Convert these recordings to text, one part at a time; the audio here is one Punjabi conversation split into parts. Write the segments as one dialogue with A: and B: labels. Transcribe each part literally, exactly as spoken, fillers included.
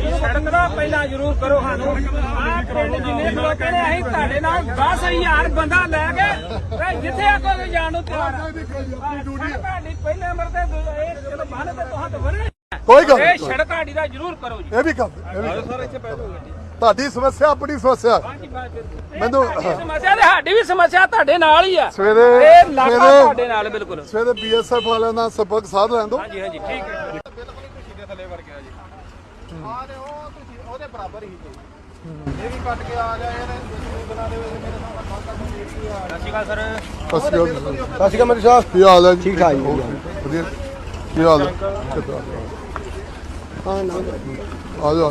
A: ਸੜਕ ਦਾ ਪਹਿਲਾਂ ਜ਼ਰੂਰ ਕਰੋ ਸਾਨੂੰ ਆਹ ਪਿੰਡ ਜਿੰਨੇ ਲੋਕ ਨੇ ਅਸੀਂ ਤੁਹਾਡੇ ਨਾਲ ਦਸ ਹਜ਼ਾਰ ਬੰਦਾ ਲੈ ਕੇ ਜਿੱਥੇ ਆਖੋਗੇ ਜਾਣ ਨੂੰ ਤਿਆਰ ਆ ਤੁਹਾਡੀ ਪਹਿਲੇ ਨੰਬਰ ਤੇ ਇਹ ਚਲੋ ਬੰਨ ਤੇ ਤੁਹਾਂ ਤਾਂ ਬਣੇ
B: ਕੋਈ ਗੱਲ
A: ਇਹ ਸੜਕ ਸਾਡੀ ਦਾ ਜ਼ਰੂਰ ਕਰੋ ਜੀ
B: ਇਹ ਵੀ ਕਰ ਤੁਹਾਡੀ ਸਮੱਸਿਆ ਆਪਣੀ ਸਮੱਸਿਆ ਮੈਨੂੰ
A: ਸਮੱਸਿਆ ਤੇ ਸਾਡੀ ਵੀ ਸਮੱਸਿਆ ਤੁਹਾਡੇ ਨਾਲ ਹੀ ਆ
B: ਸਵੇਰੇ
A: ਇਹ ਇਲਾਕਾ ਤੁਹਾਡੇ ਨਾਲ ਬਿਲਕੁਲ
B: ਸਵੇਰੇ ਬੀਐਸਐਫ ਵਾਲਿਆਂ ਨਾਲ ਸੰਪਰਕ ਸਾਧ ਲੈਣ ਦੋ
A: ਹਾਂਜੀ ਹਾਂਜੀ ਠੀਕ ਹੈ
C: ਬਿਲਕੁਲ ਖੁਸ਼ੀ ਦੇ ਥੱਲੇ ਵਰ ਗਿਆ ਜੀ ਆ ਤੇ ਉਹ ਤੁਸੀਂ ਉਹਦੇ ਬਰਾਬਰ ਹੀ ਜੀ ਇਹ ਵੀ ਕੱਟ ਕੇ ਆ ਗਿਆ ਇਹਨੇ ਬਣਾ ਦੇ ਮੇਰੇ ਨਾਲ ਗੱਲ ਕਰਨੀ ਸੀ ਆ
A: ਸਤਿ ਸ਼੍ਰੀ ਅਕਾਲ ਸਰ
B: ਸਤਿ ਸ਼੍ਰੀ ਅਕਾਲ
C: ਸਤਿ ਸ਼੍ਰੀ ਅਕਾਲ ਮੇਰੇ ਸਾਹਿਬ
B: ਕੀ ਹਾਲ ਹੈ ਜੀ
C: ਠੀਕ ਠਾਕ ਜੀ
B: ਵਧੀਆ ਕੀ ਹਾਲ ਹੈ
C: ਹਾਂ ਨਾ
B: ਆ ਜਾਓ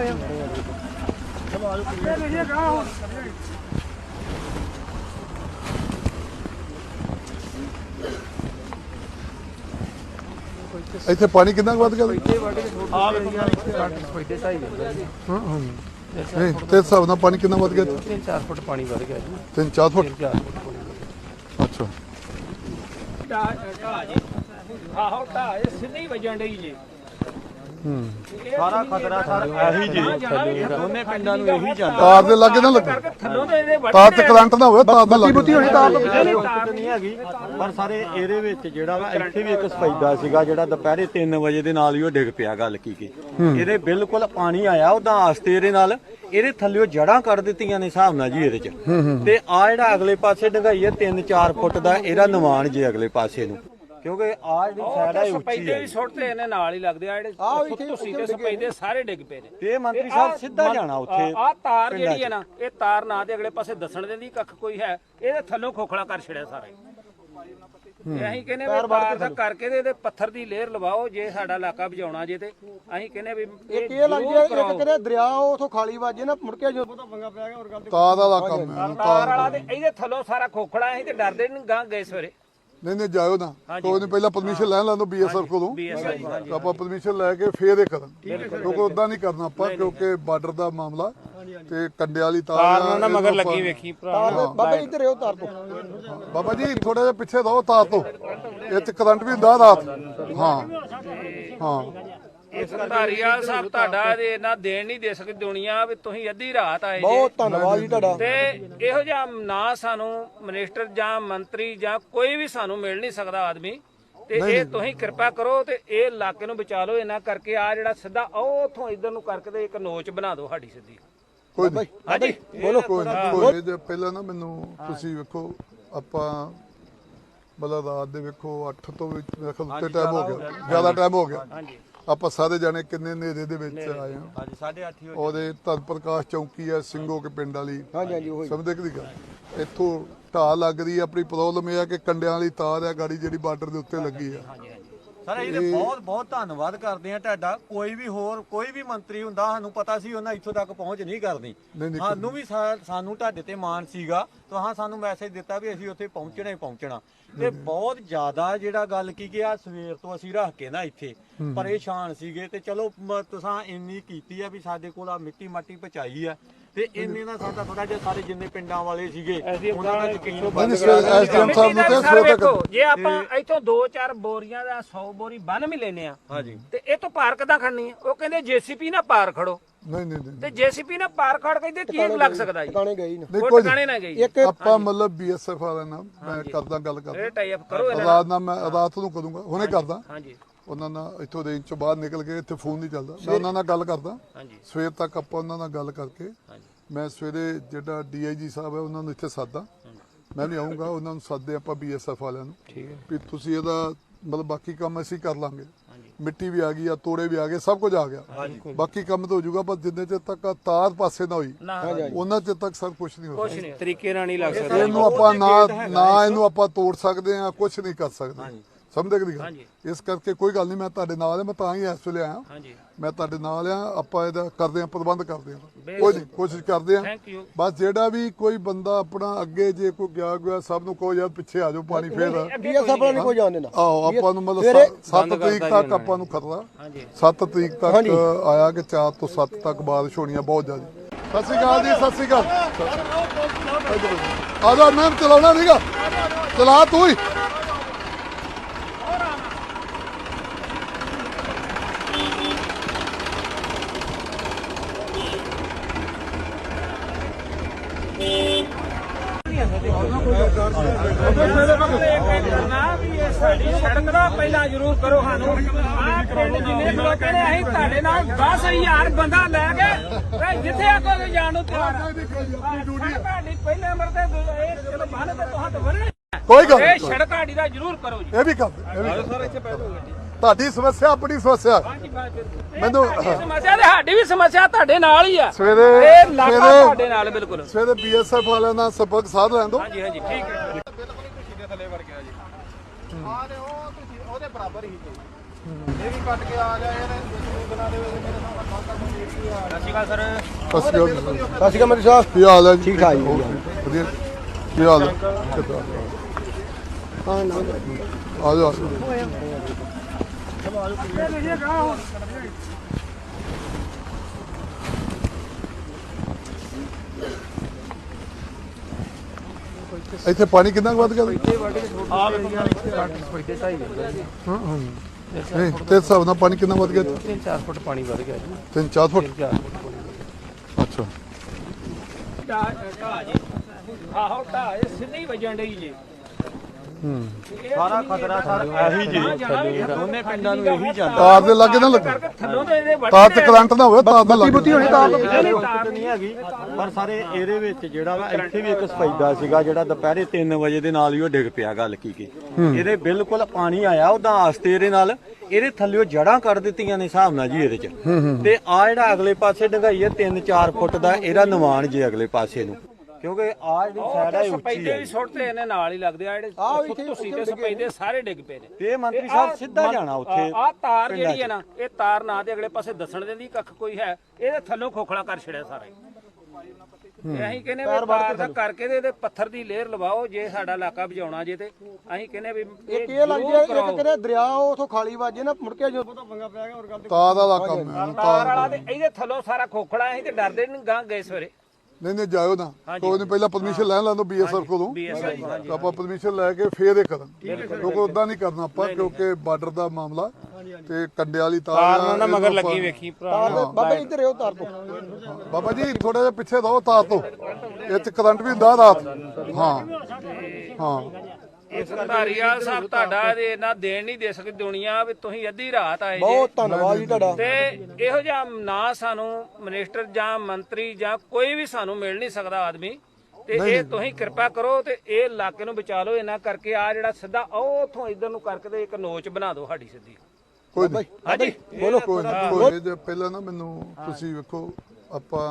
B: ਇੱਥੇ ਪਾਣੀ ਕਿੰਨਾ ਕੁ ਵੱਧ ਗਿਆ
C: ਆ ਫਾਇਦੇ ਸਹੀ
B: ਹਾਂ ਹਾਂ ਨਹੀਂ ਤੇ ਹਿਸਾਬ ਨਾਲ ਪਾਣੀ ਕਿੰਨਾ ਵੱਧ ਗਿਆ
C: ਤਿੰਨ ਚਾਰ ਫੁੱਟ ਪਾਣੀ ਵਧ ਗਿਆ ਜੀ
B: ਤਿੰਨ ਚਾਰ ਫੁੱਟ
C: ਚਾਰ ਫੁੱਟ
B: ਅੱਛਾ
A: ਆਹੋ ਢਾਹ ਸਿੱਧੀ ਹੀ ਵੱਜਣ ਡਈ ਜੀ
C: ਸਾਰਾ ਖਤਰਾ ਸਾਰਾ ਇਹੀ ਜੀ ਦੋਨੇ ਪਿੰਡਾਂ ਨੂੰ ਇਹੀ ਜਾਂਦਾ
B: ਤਾਰ ਦੇ ਲਾਗੇ ਨਾ ਲੱਗੇ
A: ਥੱਲੋਂ ਦੇ ਇਹਦੇ
B: ਤਾਰ ਤੇ ਕਰੰਟ ਨਾ ਹੋਵੇ ਤਾਰ ਦੇ ਲੱਗੇ
C: ਹੋਣੀ ਤਾਰ ਤੋਂ ਨਹੀਂ ਹੈਗੀ ਪਰ ਸਾਰੇ ਇਹਦੇ ਵਿੱਚ ਜਿਹੜਾ ਵਾ ਇੱਥੇ ਵੀ ਇੱਕ ਸਫੈਦਾ ਸੀਗਾ ਜਿਹੜਾ ਦੁਪਹਿਰੇ ਤਿੰਨ ਵਜੇ ਦੇ ਨਾਲ ਹੀ ਉਹ ਡਿੱਗ ਪਿਆ ਗੱਲ ਕੀ ਕੀ ਇਹਦੇ ਬਿਲਕੁਲ ਪਾਣੀ ਆਇਆ ਉਹਦਾ ਆਸਤੇ ਇਹਦੇ ਨਾਲ ਇਹਦੇ ਥੱਲੇ ਜੜਾਂ ਕੱਢ ਦਿੱਤੀਆਂ ਨੇ ਹਿਸਾਬ ਨਾਲ ਜੀ ਇਹਦੇ ਚ ਤੇ ਆ ਜਿਹੜਾ ਅਗਲੇ ਪਾਸੇ ਡੰਗਾਈ ਹੈ ਤਿੰਨ ਚਾਰ ਫੁੱਟ ਦਾ ਇਹਦਾ ਨਿਵਾਨ ਜੇ ਅਗਲੇ ਪਾਸੇ ਨੂੰ ਕਿਉਂਕਿ ਆ ਜਿਹੜੀ ਸਾਈਡ ਹੈ ਉੱਚੀ
A: ਸਪੈਦੇ
C: ਹੈ
A: ਵੀ ਸੁੱਟਦੇ ਇਹਨੇ ਨਾਲ ਹੀ ਲੱਗਦੇ ਆ ਜਿਹੜੇ ਤੁਸੀਂ ਤੇ ਸਪੈਦੇ ਸਾਰੇ ਡਿੱਗ ਪਏ ਨੇ
C: ਤੇ ਮੰਤਰੀ ਸਾਹਿਬ ਸਿੱਧਾ ਜਾਣਾ ਉੱਥੇ
A: ਆ ਤਾਰ ਜਿਹੜੀ ਹੈ ਨਾ ਇਹ ਤਾਰ ਨਾ ਦੇ ਅਗਲੇ ਪਾਸੇ ਦੱਸਣ ਦਿੰਦੀ ਕੱਖ ਕੋਈ ਹੈ ਇਹਦੇ ਥੱਲੋਂ ਖੋਖਲਾ ਕਰ ਛੜਿਆ ਸਾਰਾ ਅਸੀਂ ਕਹਿੰਦੇ ਵੀ ਤਾਰ ਦਾ ਕਰਕੇ ਤੇ ਇਹਦੇ ਪੱਥਰ ਦੀ ਲੇਅਰ ਲਵਾਓ ਜੇ ਸਾਡਾ ਇਲਾਕਾ ਬਚਾਉਣਾ ਜੇ ਤੇ ਅਸੀਂ ਕਹਿੰਦੇ ਵੀ
C: ਇੱਕ ਇਹ ਲੱਗ ਗਿਆ ਇੱਕ ਕਿਤੇ ਦਰਿਆ ਉਥੋਂ ਖਾਲੀ ਵੱਜੇ ਨਾ ਮੁੜ ਕੇ ਜੋ ਪੰਗਾ ਪਿਆ ਗਿਆ ਹੋਰ ਗੱਲ
B: ਤਾਰ ਵਾਲਾ ਕੰਮ ਹੈ
A: ਤਾਰ ਵਾਲਾ ਤੇ ਇਹਦੇ ਥੱਲੋਂ ਸਾਰਾ ਖੋਖਲਾ ਅਸੀਂ ਤੇ ਡਰਦੇ ਨਹੀਂ ਗਾਂ ਗਏ ਸਵੇਰੇ
B: ਨਹੀਂ ਨਹੀਂ ਜਾਇਓ ਨਾ ਕੋਈ ਨਹੀਂ ਪਹਿਲਾਂ ਪਰਮਿਸ਼ਨ ਲੈ ਲੈਣ ਦੋ ਬੀਐਸਐਫ ਕੋਲੋਂ ਆਪਾਂ ਪਰਮਿਸ਼ਨ ਲੈ ਕੇ ਫੇਰ ਇਹ ਕਰਨ ਕਿਉਂਕਿ ਉਦਾਂ ਨਹੀਂ ਕਰਨਾ ਆਪਾਂ ਕਿਉਂਕਿ ਬਾਰਡਰ ਦਾ ਮਾਮਲਾ ਤੇ ਕੰਡੇ ਵਾਲੀ ਤਾਰ
A: ਨਾ ਮਗਰ ਲੱਗੀ ਵੇਖੀ ਭਰਾ
C: ਬਾਬਾ ਇੱਧਰ ਇਹੋ ਤਾਰ ਤੋਂ
B: ਬਾਬਾ ਜੀ ਥੋੜਾ ਜਿਹਾ ਪਿੱਛੇ ਰਹੋ ਤਾਰ ਤੋਂ ਇਹ ਚ ਕਰੰਟ ਵੀ ਹੁੰਦਾ ਰਾਤ ਹਾਂ ਹਾਂ
A: ਇਸ ਧਾਰੀਵਾਲ ਸਾਹਿਬ ਤੁਹਾਡਾ ਇਹਨਾਂ ਦੇਣ ਨਹੀਂ ਦੇ ਸਕਦੀ ਦੁਨੀਆ ਵੀ ਤੁਸੀਂ ਅੱਧੀ ਰਾਤ ਆਏ
C: ਬਹੁਤ ਧੰਨਵਾਦ ਜੀ ਤੁਹਾਡਾ
A: ਤੇ ਇਹੋ ਜਿਹਾ ਨਾ ਸਾਨੂੰ ਮਿਨਿਸਟਰ ਜਾਂ ਮੰਤਰੀ ਜਾਂ ਕੋਈ ਵੀ ਸਾਨੂੰ ਮਿਲ ਨਹੀਂ ਸਕਦਾ ਆਦਮੀ ਤੇ ਇਹ ਤੁਸੀਂ ਕਿਰਪਾ ਕਰੋ ਤੇ ਇਹ ਇਲਾਕੇ ਨੂੰ ਬਚਾ ਲਓ ਇਹਨਾਂ ਕਰਕੇ ਆ ਜਿਹੜਾ ਸਿੱਧਾ ਉਹ ਉਥੋਂ ਇਧਰ ਨੂੰ ਕਰਕੇ ਤੇ ਇੱਕ ਨੋਚ ਬਣਾ ਦਿਓ ਸਾਡੀ ਸਿੱਧੀ
B: ਕੋਈ ਨਹੀਂ
A: ਹਾਂਜੀ
B: ਬੋਲੋ ਕੋਈ ਨਹੀਂ ਜੇ ਪਹਿਲਾਂ ਨਾ ਮੈਨੂੰ ਤੁਸੀਂ ਵੇਖੋ ਆਪਾਂ ਮਤਲਬ ਰਾਤ ਦੇ ਵੇਖੋ ਅੱਠ ਤੋਂ ਵੀ ਮੇਰੇ ਖਿਆਲ ਉੱਤੇ ਟਾਈਮ ਹੋ ਗਿਆ ਜ਼ਿਆਦਾ ਟਾਈਮ ਹੋ ਗਿਆ
A: ਹਾਂਜੀ
B: ਆਪਾਂ ਸਾਰੇ ਜਾਣੇ ਕਿੰਨੇ ਹਨੇਰੇ ਦੇ ਵਿੱਚ ਆਏ ਹਾਂ
C: ਹਾਂਜੀ ਸਾਢੇ ਅੱਠ ਹੀ
B: ਉਹਦੇ ਧਨ ਪ੍ਰਕਾਸ਼ ਚੌਂਕੀ ਹੈ ਸਿੰਘੋ ਕੇ ਪਿੰਡ ਵਾਲੀ
C: ਹਾਂਜੀ ਹਾਂਜੀ ਉਹੀ
B: ਸਮਝਦੇ ਕਿ ਗੱਲ ਇੱਥੋਂ ਢਾਹ ਲੱਗ ਰਹੀ ਹੈ ਆਪਣੀ ਪ੍ਰੋਬਲਮ ਇਹ ਆ ਕਿ ਕੰਡਿਆਂ ਵਾਲੀ ਤਾਰ ਹੈ ਗਾੜੀ ਜਿਹੜੀ ਬਾਰਡਰ ਦੇ ਉੱਤੇ ਲੱਗੀ ਹੈ
C: ਸਰ ਇਹਦੇ ਬਹੁਤ ਬਹੁਤ ਧੰਨਵਾਦ ਕਰਦੇ ਆ ਤੁਹਾਡਾ ਕੋਈ ਵੀ ਹੋਰ ਕੋਈ ਵੀ ਮੰਤਰੀ ਹੁੰਦਾ ਸਾਨੂੰ ਪਤਾ ਸੀ ਉਹਨਾਂ ਇੱਥੋਂ ਤੱਕ ਪਹੁੰਚ ਨਹੀਂ ਕਰਨੀ ਸਾਨੂੰ ਵੀ ਸਾਨੂੰ ਤੁਹਾਡੇ ਤੇ ਮਾਣ ਸੀਗਾ ਤਾਂ ਸਾਨੂੰ ਮੈਸੇਜ ਦਿੱਤਾ ਵੀ ਅਸੀਂ ਉੱਥੇ ਪਹੁੰਚਣਾ ਹੀ ਪਹੁੰਚਣਾ ਤੇ ਬਹੁਤ ਜ਼ਿਆਦਾ ਜਿਹੜਾ ਗੱਲ ਕੀ ਕਿ ਆ ਸਵੇਰ ਤੋਂ ਅਸੀਂ ਰੱਖ ਕੇ ਨਾ ਇੱਥੇ ਪਰੇਸ਼ਾਨ ਸੀਗੇ ਤੇ ਚਲੋ ਤੁਸੀਂ ਇੰਨੀ ਕੀਤੀ ਆ ਵੀ ਸਾਡੇ ਕੋਲ ਆ ਮਿੱਟੀ ਮਾਟੀ ਪਹੁੰਚਾਈ ਆ ਤੇ ਇੰਨੇ ਨਾਲ ਸਾਡਾ ਥੋੜਾ ਜਿਹਾ ਸਾਰੇ ਜਿੰਨੇ ਪਿੰਡਾਂ ਵਾਲੇ ਸੀਗੇ ਉਹਨਾਂ ਦਾ ਯਕੀਨ ਬੰਦ
B: ਐਸਡੀਐਮ ਸਾਹਿਬ ਨੂੰ ਤੇ ਸਵੇਰ ਤੱਕ
A: ਜੇ ਆਪਾਂ ਇੱਥੋਂ ਦੋ ਚਾਰ ਬੋਰੀਆਂ ਦਾ ਸੌ ਬੋਰੀ ਬੰਨ ਵੀ ਲੈਨੇ ਆ
C: ਹਾਂਜੀ
A: ਤੇ ਇਹ ਤੋਂ ਪਾਰ ਕਿੱਦਾਂ ਖੜਨੀ ਆ ਉਹ ਕਹਿੰਦੇ ਜੇਸੀਪੀ ਨਾਲ ਪਾਰ ਖੜੋ
B: ਨਹੀਂ ਨਹੀਂ ਨਹੀਂ
A: ਤੇ ਜੇਸੀਪੀ ਨਾਲ ਪਾਰ ਖੜ ਕਹਿੰਦੇ ਕੀ ਲੱਗ ਸਕਦਾ ਜੀ
C: ਟਿਕਾਣੇ ਗਈ ਨਾ
A: ਉਹ ਟਿਕਾਣੇ ਨਾ ਗਈ
B: ਆਪਾਂ ਮਤਲਬ ਬੀਐਸਐਫ ਵਾਲਿਆਂ ਨਾਲ ਮੈਂ ਕਰਦਾ ਗੱਲ ਕਰਦਾ
A: ਇਹ ਟਾਈ ਅਪ ਕਰੋ ਇਹਨਾਂ
B: ਰਾਤ ਨਾਲ ਮੈਂ ਰਾਤ ਨੂੰ ਕਰੂੰਗਾ ਹੁਣੇ ਕਰਦਾ
A: ਹਾਂਜੀ
B: ਉਹਨਾਂ ਨਾਲ ਇੱਥੋਂ ਰੇਂਜ ਚੋਂ ਬਾਹਰ ਨਿਕਲ ਕੇ ਇੱਥੇ ਫੋਨ ਨਹੀਂ ਚੱਲਦਾ ਮੈਂ ਉਹਨਾਂ ਨਾਲ ਗੱਲ ਕਰਦਾ
A: ਹਾਂਜੀ
B: ਸਵੇਰ ਤੱਕ ਆਪਾਂ ਉਹਨਾਂ ਨਾਲ ਗੱਲ ਕਰਕੇ
A: ਹਾਂਜੀ
B: ਮੈਂ ਸਵੇਰੇ ਜਿਹੜਾ ਡੀਆਈਜੀ ਸਾਹਿਬ ਹੈ ਉਹਨਾਂ ਨੂੰ ਇੱਥੇ ਸਾਦਾ ਮੈਂ ਵੀ ਆਉਂਗਾ ਉਹਨਾਂ ਨੂੰ ਸਾਦੇ ਆਪਾਂ ਬੀਐਸਐਫ ਵਾਲਿਆਂ ਨੂੰ
A: ਠੀਕ ਹੈ
B: ਵੀ ਤੁਸੀਂ ਇਹਦਾ ਮਤਲਬ ਬਾਕੀ ਕੰਮ ਅਸੀਂ ਕਰ ਲਾਂਗੇ ਮਿੱਟੀ ਵੀ ਆ ਗਈ ਆ ਤੋੜੇ ਵੀ ਆ ਗਏ ਸਭ ਕੁਝ ਆ ਗਿਆ ਬਾਕੀ ਕੰਮ ਤਾਂ ਹੋ ਜਾਊਗਾ ਪਰ ਜਿੰਨੇ ਚਿਰ ਤੱਕ ਤਾਰ ਪਾਸੇ ਨਾ ਹੋਈ ਉਹਨਾਂ ਚਿਰ ਤੱਕ ਸਭ ਕੁਝ ਨਹੀਂ ਹੋ
A: ਕੁਛ ਨਹੀਂ ਤਰੀਕੇ ਨਾਲ ਨਹੀਂ ਲੱਗ ਸਕਦਾ
B: ਇਹਨੂੰ ਆਪਾਂ ਨਾ ਨਾ ਇਹਨੂੰ ਆਪਾਂ ਤੋੜ ਸਕਦੇ ਆ ਕੁਝ ਨਹੀਂ ਕਰ ਸਕਦੇ ਸਮਝਦੇ ਕਿ ਨਹੀਂ ਇਸ ਕਰਕੇ ਕੋਈ ਗੱਲ ਨਹੀਂ ਮੈਂ ਤੁਹਾਡੇ ਨਾਲ ਆ ਮੈਂ ਤਾਂ ਹੀ ਇਸ ਵੇਲੇ ਆਇਆ
A: ਹਾਂਜੀ
B: ਮੈਂ ਤੁਹਾਡੇ ਨਾਲ ਆ ਆਪਾਂ ਇਹਦਾ ਕਰਦੇ ਆ ਪ੍ਰਬੰਧ ਕਰਦੇ ਆ ਕੋਈ ਨਹੀਂ ਕੋਸ਼ਿਸ਼ ਕਰਦੇ ਆ
A: ਥੈਂਕ ਯੂ
B: ਬਸ ਜਿਹੜਾ ਵੀ ਕੋਈ ਬੰਦਾ ਆਪਣਾ ਅੱਗੇ ਜੇ ਕੋਈ ਗਿਆ ਗਿਆ ਸਭ ਨੂੰ ਕਹੋ ਯਾਰ ਪਿੱਛੇ ਆ ਜਾਓ ਪਾਣੀ ਫੇਰ
C: ਬੀਐਸਐਫ ਵਾਲਾ ਨਹੀਂ ਕੋਈ ਜਾਣ ਦੇਣਾ
B: ਆਹੋ ਆਪਾਂ ਨੂੰ ਮਤਲਬ ਸੱਤ ਤਰੀਕ ਤੱਕ ਆਪਾਂ ਨੂੰ ਖਤਰਾ ਸੱਤ ਤਰੀਕ ਤੱਕ ਆਇਆ ਕਿ ਚਾਰ ਤੋਂ ਸੱਤ ਤੱਕ ਬਾਰਿਸ਼ ਹੋਣੀ ਆ ਬਹੁਤ ਜ਼ਿਆਦਾ ਸਤਿ ਸ਼੍ਰੀ ਅਕਾਲ ਜੀ ਸਤਿ ਸ਼੍ਰੀ ਅਕਾਲ ਆ ਜਾ ਮੈਂ ਚਲਾਉਣਾ ਨਹੀਂਗਾ ਚਲਾ ਤੂੰ ਹੀ
A: ਕਰਨਾ ਵੀ ਇਹ ਸਾਡੀ ਸੜਕ ਦਾ ਪਹਿਲਾਂ ਜ਼ਰੂਰ ਕਰੋ ਸਾਨੂੰ ਆਹ ਪਿੰਡ ਜਿੰਨੇ ਲੋਕ ਨੇ ਅਸੀਂ ਤੁਹਾਡੇ ਨਾਲ ਦਸ ਹਜ਼ਾਰ ਬੰਦਾ ਲੈ ਕੇ ਤੇ ਜਿੱਥੇ ਆਖੋਗੇ ਜਾਣ ਨੂੰ ਤਿਆਰ ਆ ਤੁਹਾਡੀ ਪਹਿਲੇ ਨੰਬਰ ਤੇ ਇਹ ਚਲੋ ਬੰਨ ਤੇ ਤੁਹਾਨੂੰ ਵਰਣੇ
B: ਕੋਈ ਗੱਲ
A: ਇਹ
B: ਨਹੀਂ,
A: ਸੜਕ ਸਾਡੀ ਦਾ ਜ਼ਰੂਰ ਕਰੋ ਜੀ
B: ਇਹ ਵੀ ਕਰ ਇਹ ਵੀ ਕਰ। ਤੁਹਾਡੀ ਸਮੱਸਿਆ ਆਪਣੀ ਸਮੱਸਿਆ ਮੈਨੂੰ
A: ਇਹ ਸਮੱਸਿਆ ਤੇ ਸਾਡੀ ਵੀ ਸਮੱਸਿਆ ਤੁਹਾਡੇ ਨਾਲ ਹੀ ਆ
B: ਸਵੇਰੇ
A: ਇਹ ਇਲਾਕਾ
B: ਸਵੇਰੇ
A: ਤੁਹਾਡੇ ਨਾਲ ਬਿਲਕੁਲ
B: ਸਵੇਰੇ ਬੀਐਸਐਫ ਵਾਲਿਆਂ ਨਾਲ ਸੰਪਰਕ ਸਾਧ ਲੈਣ ਦਿਓ।
A: ਹਾਂਜੀ ਹਾਂਜੀ ਠੀਕ ਹੈ
D: ਉਹਦੇ ਬਰਾਬਰ ਹੀ ਇਹ ਵੀ ਕੱਟ ਕੇ ਆ ਜਾਏ ਇਹਨੇ ਦੋ ਦਿਨਾਂ ਦੇ ਵਿੱਚ ਮੇਰੇ ਨਾਲ ਖਾਤਾ ਨੂੰ ਦੇ ਦਿੱਤੀ ਆ। ਸਤਿ ਸ਼੍ਰੀ ਅਕਾਲ ਸਰ।
B: ਸਤਿ ਸ਼੍ਰੀ ਅਕਾਲ
D: ਸਤਿ ਸ਼੍ਰੀ ਅਕਾਲ ਮੇਰੇ ਸਾਹਿਬ।
B: ਕੀ ਹਾਲ ਹੈ ਜੀ?
D: ਠੀਕ ਠਾਕ ਜੀ।
B: ਵਧੀਆ ਕੀ ਹਾਲ ਹੈ? ਕਿੱਦਾਂ?
D: ਹਾਂ ਨਾ
B: ਆ ਜਾਓ ਆ ਜਾਓ। ਇੱਥੇ ਪਾਣੀ ਕਿੰਨਾ ਕੁ ਵੱਧ ਗਿਆ? ਹਾਂ ਹਾਂ ਨਹੀਂ ਤੇ ਹਿਸਾਬ ਨਾਲ ਪਾਣੀ ਕਿੰਨਾ ਵੱਧ ਗਿਆ?
A: ਤਿੰਨ ਚਾਰ ਫੁੱਟ ਪਾਣੀ ਵੱਧ ਗਿਆ ਜੀ
B: ਤਿੰਨ ਚਾਰ ਫੁੱਟ।
A: ਚਾਰ ਫੁੱਟ
B: ਅੱਛਾ
A: ਢਾਹ ਜੀ ਆਹੋ ਢਾਹ ਇਹ ਸਿੱਧੀ ਹੀ ਵੱਜਣ ਡਈ ਜੀ
B: ਹੂੰ
C: ਸਾਰਾ ਖਤਰਾ ਸਰ ਇਹੀ ਜੀ ਦੋਨੇ ਪਿੰਡਾਂ ਨੂੰ ਇਹੀ ਜਾਂਦਾ
B: ਤਾਰ ਦੇ ਲਾਗੇ ਨਾ ਲੱਗੇ,
A: ਕਰਕੇ ਥੱਲੋਂ ਦੇ ਇਹਦੇ ਵੱਢ
B: ਤਾਰ ਤੇ ਕਰੰਟ ਨਾ ਹੋਵੇ, ਤਾਰ ਦਾ ਲੱਗੇ
C: ਹੋਣੀ ਤਾਰ ਤੋਂ ਨਹੀਂ ਹੈਗੀ ਪਰ ਸਾਰੇ ਇਹਦੇ ਵਿੱਚ ਜਿਹੜਾ ਵਾ ਇੱਥੇ ਵੀ ਇੱਕ ਸਫੈਦਾ ਸੀਗਾ ਜਿਹੜਾ ਦੁਪਹਿਰੇ ਤਿੰਨ ਵਜੇ ਦੇ ਨਾਲ ਹੀ ਉਹ ਡਿੱਗ ਪਿਆ ਗੱਲ ਕੀ ਕੀ ਇਹਦੇ ਬਿਲਕੁਲ ਪਾਣੀ ਆਇਆ ਉਹਦਾ ਆਸਤੇ ਇਹਦੇ ਨਾਲ ਇਹਦੇ ਥੱਲੇੋਂ ਜੜਾਂ ਕੱਢ ਦਿੱਤੀਆਂ ਨੇ ਹਿਸਾਬ ਨਾਲ ਜੀ ਇਹਦੇ ਚ ਤੇ ਆ ਜਿਹੜਾ ਅਗਲੇ ਪਾਸੇ ਡੰਗਾਈ ਹੈ ਤਿੰਨ ਚਾਰ ਫੁੱਟ ਦਾ ਇਹਦਾ ਨਿਵਾਨ ਜੇ ਅਗਲੇ ਪਾਸੇ ਨੂੰ ਕਿਉਂਕਿ ਆ ਜਿਹੜੀ ਸਾਈਡ ਹੈ ਉੱਚੀ
A: ਸਪੈਦੇ
C: ਹੈ
A: ਵੀ ਸੁੱਟਦੇ ਇਹਨੇ ਨਾਲ ਹੀ ਲੱਗਦੇ ਆ ਜਿਹੜੇ ਤੁਸੀਂ ਤੇ ਸਪੈਦੇ ਸਾਰੇ ਡਿੱਗ ਪਏ ਨੇ
C: ਤੇ ਇਹ ਮੰਤਰੀ ਸਾਹਿਬ ਸਿੱਧਾ ਜਾਣਾ ਉੱਥੇ
A: ਆ ਤਾਰ ਜਿਹੜੀ ਹੈ ਨਾ ਇਹ ਤਾਰ ਨਾ ਤੇ ਅਗਲੇ ਪਾਸੇ ਦੱਸਣ ਦਿੰਦੀ ਕੱਖ ਕੋਈ ਹੈ ਇਹਦੇ ਥੱਲੋਂ ਖੋਖਲਾ ਕਰ ਛੜਿਆ ਸਾਰਾ ਹੀ ਤੇ ਅਸੀਂ ਕਹਿੰਦੇ ਵੀ ਤਾਰ ਦਾ ਕਰਕੇ ਤੇ ਇਹਦੇ ਪੱਥਰ ਦੀ ਲੇਅਰ ਲਵਾਓ ਜੇ ਸਾਡਾ ਇਲਾਕਾ ਬਚਾਉਣਾ ਜੇ ਤੇ ਅਸੀਂ ਕਹਿੰਦੇ ਵੀ
D: ਇੱਕ ਇਹ ਲੱਗ ਗਿਆ ਇੱਕ ਕਿਹੜੇ ਦਰਿਆ ਉਥੋਂ ਖਾਲੀ ਵੱਜੇ ਨਾ ਮੁੜ ਕੇ ਜਦੋਂ ਪੰਗਾ ਪਿਆ ਗਿਆ ਹੋਰ ਗੱਲ
B: ਤਾਰ ਦਾ ਕੰਮ ਹੈ
A: ਤਾਰ ਵਾਲਾ ਤੇ ਇਹਦੇ ਥੱਲੋਂ ਸਾਰਾ ਖੋਖਲਾ ਅਸੀਂ ਤੇ ਡਰਦੇ ਨਹੀਂ ਗਾਂ ਗਏ ਸਵੇਰੇ
B: ਨਹੀਂ ਨਹੀਂ ਜਾਇਓ ਨਾ ਕੋਈ ਨਹੀਂ, ਪਹਿਲਾਂ ਪਰਮਿਸ਼ਨ ਲੈਣ ਲੈਣ ਦਿਓ ਬੀਐਸਐਫ ਕੋਲੋਂ।
A: ਬੀਐਸਐਫ
B: ਆਪਾਂ ਪਰਮਿਸ਼ਨ ਲੈ ਕੇ ਫੇਰ ਇਹ ਕਰਾਂ ਕਿਉਂਕਿ ਉਦਾਂ ਨਹੀਂ ਕਰਨਾ ਆਪਾਂ ਕਿਉਂਕਿ ਬਾਰਡਰ ਦਾ ਮਾਮਲਾ ਤੇ ਕੰਡੇ ਵਾਲੀ ਤਾਰ ਨਾ ਮਗਰ ਲੱਗੀ ਵੇਖੀ
D: ਬਾਬਾ ਇੱਧਰ ਇਹੋ ਤਾਰ ਤੋਂ
B: ਬਾਬਾ ਜੀ ਥੋੜਾ ਜਿਹਾ ਪਿੱਛੇ ਰਹੋ ਤਾਰ ਤੋਂ, ਇਹ ਚ ਕਰੰਟ ਵੀ ਹੁੰਦਾ ਰਾਤ। ਹਾਂ ਹਾਂ
A: ਇਸ ਧਾਰੀਵਾਲ ਸਾਹਿਬ ਤੁਹਾਡਾ ਇਹ ਇੰਨਾ ਦੇਣ ਨਹੀਂ ਦੇ ਸਕਦੀ ਦੁਨੀਆ ਵੀ ਤੁਸੀਂ ਅੱਧੀ ਰਾਤ ਆਏ ਜੇ
D: ਬਹੁਤ ਧੰਨਵਾਦ ਜੀ ਤੁਹਾਡਾ।
A: ਤੇ ਇਹੋ ਜਿਹਾ ਨਾ ਸਾਨੂੰ ਮਿਨਿਸਟਰ ਜਾਂ ਮੰਤਰੀ ਜਾਂ ਕੋਈ ਵੀ ਸਾਨੂੰ ਮਿਲ ਨਹੀਂ ਸਕਦਾ ਆਦਮੀ ਤੇ ਇਹ ਤੁਸੀਂ ਕਿਰਪਾ ਕਰੋ ਤੇ ਇਹ ਇਲਾਕੇ ਨੂੰ ਬਚਾ ਲਓ ਇਹਨਾਂ ਕਰਕੇ ਆ ਜਿਹੜਾ ਸਿੱਧਾ ਉਹ ਉਥੋਂ ਇਧਰ ਨੂੰ ਕਰਕੇ ਤੇ ਇੱਕ ਨੋਚ ਬਣਾ ਦਿਓ ਸਾਡੀ ਸਿੱਧੀ।
B: ਕੋਈ ਨਹੀਂ
A: ਹਾਂਜੀ
B: ਬੋਲੋ ਕੋਈ ਨਹੀਂ ਕੋਈ ਨਹੀਂ। ਜੇ ਪਹਿਲਾਂ ਨਾ ਮੈਨੂੰ ਤੁਸੀਂ ਵੇਖੋ ਆਪਾਂ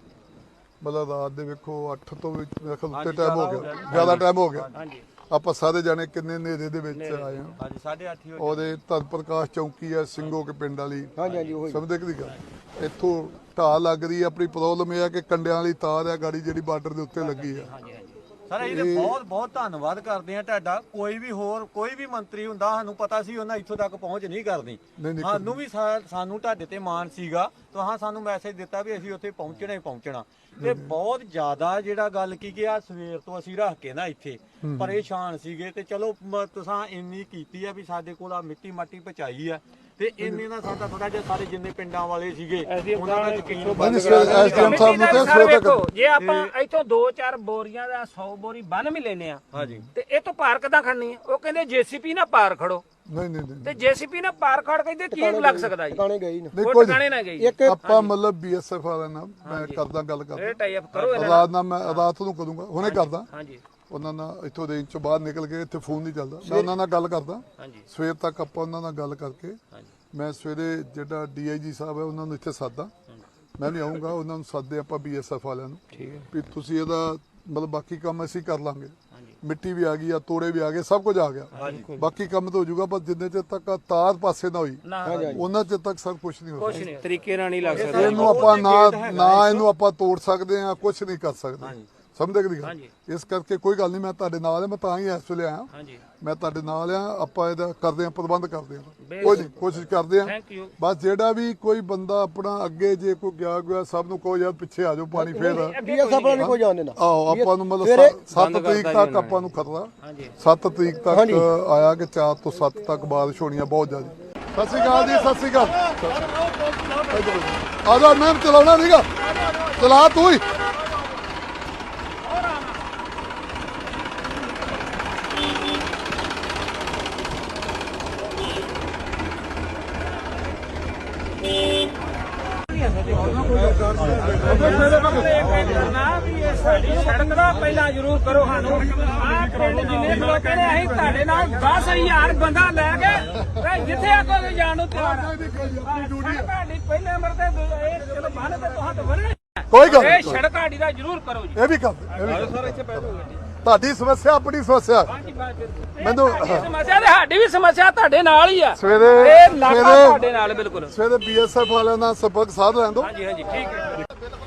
B: ਮਤਲਬ ਰਾਤ ਦੇ ਵੇਖੋ ਅੱਠ ਤੋਂ ਵੀ ਮੇਰੇ ਖਿਆਲ ਉੱਤੇ ਟਾਈਮ ਹੋ ਗਿਆ, ਜ਼ਿਆਦਾ ਟਾਈਮ ਹੋ ਗਿਆ।
A: ਹਾਂਜੀ
B: ਆਪਾਂ ਸਾਰੇ ਜਾਣੇ ਕਿੰਨੇ ਨੇਰੇ ਦੇ ਵਿੱਚ ਆਏ ਹਾਂ।
C: ਹਾਂਜੀ ਸਾਢੇ ਅੱਠ ਹੀ
B: ਉਹਦੇ ਧਨ ਪ੍ਰਕਾਸ਼ ਚੌਂਕੀ ਹੈ ਸਿੰਘੋ ਕੇ ਪਿੰਡ ਵਾਲੀ,
D: ਹਾਂਜੀ ਹਾਂਜੀ ਉਹੀ
B: ਸਮਝਦੇ ਕਿ ਗੱਲ ਇੱਥੋਂ ਢਾਹ ਲੱਗ ਰਹੀ ਹੈ। ਆਪਣੀ ਪ੍ਰੋਬਲਮ ਇਹ ਹੈ ਕਿ ਕੰਡਿਆਂ ਵਾਲੀ ਤਾਰ ਹੈ ਗਾੜੀ ਜਿਹੜੀ ਬਾਰਡਰ ਦੇ ਉੱਤੇ ਲੱਗੀ ਹੈ।
C: ਸਰ ਇਹਦੇ ਬਹੁਤ ਬਹੁਤ ਧੰਨਵਾਦ ਕਰਦੇ ਆ ਤੁਹਾਡਾ। ਕੋਈ ਵੀ ਹੋਰ ਕੋਈ ਵੀ ਮੰਤਰੀ ਹੁੰਦਾ ਸਾਨੂੰ ਪਤਾ ਸੀ ਉਹਨਾਂ ਇੱਥੋਂ ਤੱਕ ਪਹੁੰਚ ਨਹੀਂ ਕਰਨੀ।
B: ਨਹੀਂ ਨਹੀਂ
C: ਸਾਨੂੰ ਵੀ ਸਾ- ਸਾਨੂੰ ਤੁਹਾਡੇ ਤੇ ਮਾਣ ਸੀਗਾ ਤੁਹਾਂ ਸਾਨੂੰ ਮੈਸੇਜ ਦਿੱਤਾ ਵੀ ਅਸੀਂ ਉੱਥੇ ਪਹੁੰਚਣਾ ਹੀ ਪਹੁੰਚਣਾ ਤੇ ਬਹੁਤ ਜ਼ਿਆਦਾ ਜਿਹੜਾ ਗੱਲ ਕੀ ਕਿ ਆ ਸਵੇਰ ਤੋਂ ਅਸੀਂ ਰੱਖ ਕੇ ਨਾ ਇੱਥੇ ਪਰੇਸ਼ਾਨ ਸੀਗੇ ਤੇ ਚਲੋ ਮ- ਤੁਸਾਂ ਇੰਨੀ ਕੀਤੀ ਆ ਵੀ ਸਾਡੇ ਕੋਲ ਆ ਮਿੱਟੀ ਮਾਟੀ ਪਹੁੰਚਾਈ ਆ ਤੇ ਇੰਨੇ ਨਾਲ ਸਾਡਾ ਥੋੜਾ ਜਿਹਾ ਸਾਰੇ ਜਿੰਨੇ ਪਿੰਡਾਂ ਵਾਲੇ ਸੀਗੇ ਉਹਨਾਂ ਦਾ ਯਕੀਨ
B: ਨਹੀਂ
C: ਬੰਦ
B: ਨਹੀਂ ਐਸਡੀਐਮ ਸਾਹਿਬ ਨੂੰ ਤੇ
A: ਸਰ
B: ਸਵੇਰ
A: ਵੇਖੋ
B: ਤੱਕ
A: ਜੇ ਆਪਾਂ ਇੱਥੋਂ ਦੋ ਚਾਰ ਬੋਰੀਆਂ ਦਾ ਸੌ ਬੋਰੀ ਬੰਨ ਵੀ ਲੈਨੇ ਆ
C: ਹਾਂਜੀ
A: ਤੇ ਇਹ ਤੋਂ ਪਾਰ ਕਿੱਦਾਂ ਖੜਨੀ ਆ? ਉਹ ਕਹਿੰਦੇ ਜੀਸੀਪੀ ਨਾਲ ਪਾਰ ਖੜੋ
B: ਨਹੀਂ ਨਹੀਂ ਨਹੀਂ
A: ਤੇ ਜੀਸੀਪੀ ਨਾਲ ਪਾਰ ਖੜ ਕਹਿੰਦੇ ਕੀ ਲੱਗ ਸਕਦਾ ਜੀ?
D: ਟਿਕਾਣੇ ਗਈ ਨਾ
B: ਨਹੀਂ
A: ਉਹ
B: ਕੋਈ
A: ਟਿਕਾਣੇ ਨਾ ਗਈ
D: ਇੱਕ
B: ਆਪਾਂ ਮਤਲਬ ਬੀਐਸਐਫ ਵਾਲਿਆਂ ਨਾਲ ਮੈਂ ਕਰਦਾ ਗੱਲ ਕਰਦਾ
A: ਇਹ ਟਾਈ ਅਪ ਕਰੋ ਇਹਨਾਂ ਨਾਲ।
B: ਰਾਤ ਨਾਲ ਮੈਂ ਰਾਤ ਨੂੰ ਕਰੂੰਗਾ, ਹੁਣੇ ਕਰਦਾ
A: ਹਾਂਜੀ
B: ਉਹਨਾਂ ਨਾਲ। ਇੱਥੋਂ ਰੇਂਜ ਚੋਂ ਬਾਹਰ ਨਿਕਲ ਗਏ, ਇੱਥੇ ਫੋਨ ਨਹੀਂ ਚੱਲਦਾ, ਮੈਂ ਉਹਨਾਂ ਨਾਲ ਗੱਲ ਕਰਦਾ
A: ਹਾਂਜੀ
B: ਸਵੇਰ ਤੱਕ। ਆਪਾਂ ਉਹਨਾਂ ਨਾਲ ਗੱਲ ਕਰਕੇ
A: ਹਾਂਜੀ
B: ਮੈਂ ਸਵੇਰੇ ਜਿਹੜਾ ਡੀਆਈਜੀ ਸਾਹਿਬ ਹੈ ਉਹਨਾਂ ਨੂੰ ਇੱਥੇ ਸਾਦਾ, ਮੈਂ ਵੀ ਆਉਂਗਾ, ਉਹਨਾਂ ਨੂੰ ਸਾਦੇ ਆਪਾਂ ਬੀਐਸਐਫ ਵਾਲਿਆਂ ਨੂੰ
A: ਠੀਕ ਹੈ
B: ਵੀ ਤੁਸੀਂ ਇਹਦਾ ਮਤਲਬ ਬਾਕੀ ਕੰਮ ਅਸੀਂ ਕਰ ਲਾਂਗੇ।
A: ਹਾਂਜੀ
B: ਮਿੱਟੀ ਵੀ ਆ ਗਈ ਆ, ਤੋੜੇ ਵੀ ਆ ਗਏ, ਸਭ ਕੁਝ ਆ ਗਿਆ, ਬਾਕੀ ਕੰਮ ਤਾਂ ਹੋ ਜਾਊਗਾ। ਪਰ ਜਿੰਨੇ ਚਿਰ ਤੱਕ ਆਹ ਤਾਰ ਪਾਸੇ ਨਾ ਹੋਈ
A: ਨਾ
B: ਉਹਨਾਂ ਚਿਰ ਤੱਕ ਸਭ ਕੁਝ ਨਹੀਂ ਹੋ
A: ਕੁਛ
B: ਸਕਦਾ।
A: ਨਹੀਂ ਤਰੀਕੇ ਨਾਲ ਨਹੀਂ ਲੱਗ ਸਕਦਾ
B: ਇਹਨੂੰ ਆਪਾਂ ਨਾ ਨਾ ਇਹਨੂੰ ਆਪਾਂ ਤੋੜ ਸਕਦੇ ਆ, ਕੁਝ ਨਹੀਂ ਕਰ ਸਕਦੇ, ਸਮਝਦੇ ਕਿ
A: ਹਾਂਜੀ।
B: ਇਸ ਕਰਕੇ ਕੋਈ ਗੱਲ ਨਹੀਂ, ਮੈਂ ਤੁਹਾਡੇ ਨਾਲ ਆ, ਮੈਂ ਤਾਂ ਹੀ ਇਸ ਵੇਲੇ ਆਇਆ,
A: ਹਾਂਜੀ
B: ਮੈਂ ਤੁਹਾਡੇ ਨਾਲ ਆ। ਆਪਾਂ ਇਹਦਾ ਕਰਦੇ ਆ, ਪ੍ਰਬੰਧ ਕਰਦੇ ਆ, ਕੋਈ ਨਹੀਂ ਕੋਸ਼ਿਸ਼ ਕਰਦੇ ਆ।
A: ਥੈਂਕ ਯੂ
B: ਬਸ ਜਿਹੜਾ ਵੀ ਕੋਈ ਬੰਦਾ ਆਪਣਾ ਅੱਗੇ ਜੇ ਕੋਈ ਗਿਆ ਗਿਆ ਸਭ ਨੂੰ ਕਹੋ ਯਾਰ ਪਿੱਛੇ ਆ ਜਾਓ, ਪਾਣੀ ਫੇਰ
D: ਬੀਐਸ ਆਪਣਾ ਨਹੀਂ ਕੋਈ ਜਾਣ ਦੇਣਾ।
B: ਆਹੋ ਆਪਾਂ ਨੂੰ ਮਤਲਬ ਸੱਤ ਤਰੀਕ ਤੱਕ ਆਪਾਂ ਨੂੰ ਖਤਰਾ,
A: ਹਾਂਜੀ
B: ਸੱਤ ਤਰੀਕ ਤੱਕ ਆਇਆ ਕਿ ਚਾਰ ਤੋਂ ਸੱਤ ਤੱਕ ਬਾਰਿਸ਼ ਹੋਣੀ ਆ ਬਹੁਤ ਜ਼ਿਆਦਾ। ਸਤਿ ਸ਼੍ਰੀ ਅਕਾਲ ਜੀ, ਸਤਿ ਸ਼੍ਰੀ ਅਕਾਲ। ਆ ਜਾ, ਮੈਂ ਚਲਾਉਣਾ ਨਹੀਂਗਾ, ਚਲਾ ਤੂੰ ਹੀ।
A: ਕਰਨਾ ਵੀ ਇਹ ਸਾਡੀ ਸੜਕ ਦਾ ਪਹਿਲਾਂ ਜ਼ਰੂਰ ਕਰੋ ਸਾਨੂੰ ਆਹ ਪਿੰਡ ਜਿੰਨੇ ਲੋਕ ਨੇ ਅਸੀਂ ਤੁਹਾਡੇ ਨਾਲ ਦਸ ਹਜ਼ਾਰ ਬੰਦਾ ਲੈ ਕੇ ਤੇ ਜਿੱਥੇ ਆਖੋਗੇ ਜਾਣ ਨੂੰ ਤਿਆਰ ਆ ਤੁਹਾਡੀ ਪਹਿਲੇ ਨੰਬਰ ਤੇ ਇਹ ਚਲੋ ਬੰਨ ਤੇ ਤੁਹਾਂ ਤੇ ਵਰਣੇ
B: ਕੋਈ ਗੱਲ
A: ਇਹ
B: ਨਹੀਂ,
A: ਸੜਕ ਸਾਡੀ ਦਾ ਜ਼ਰੂਰ ਕਰੋ ਜੀ
B: ਇਹ ਵੀ ਕਰ ਇਹ ਵੀ ਕਰ। ਤੁਹਾਡੀ ਸਮੱਸਿਆ ਆਪਣੀ ਸਮੱਸਿਆ ਮੈਨੂੰ
A: ਸਾਡੀ ਸਮੱਸਿਆ ਤੇ ਸਾਡੀ ਵੀ ਸਮੱਸਿਆ ਤੁਹਾਡੇ ਨਾਲ ਹੀ ਆ
B: ਸਵੇਰੇ
A: ਇਹ ਇਲਾਕਾ
B: ਸਵੇਰੇ
A: ਤੁਹਾਡੇ ਨਾਲ ਬਿਲਕੁਲ
B: ਸਵੇਰੇ ਬੀਐਸਐਫ ਵਾਲਿਆਂ ਨਾਲ ਸੰਪਰਕ ਸਾਧ ਲੈਣ ਦਿਓ।
A: ਹਾਂਜੀ ਹਾਂਜੀ ਠੀਕ ਹੈ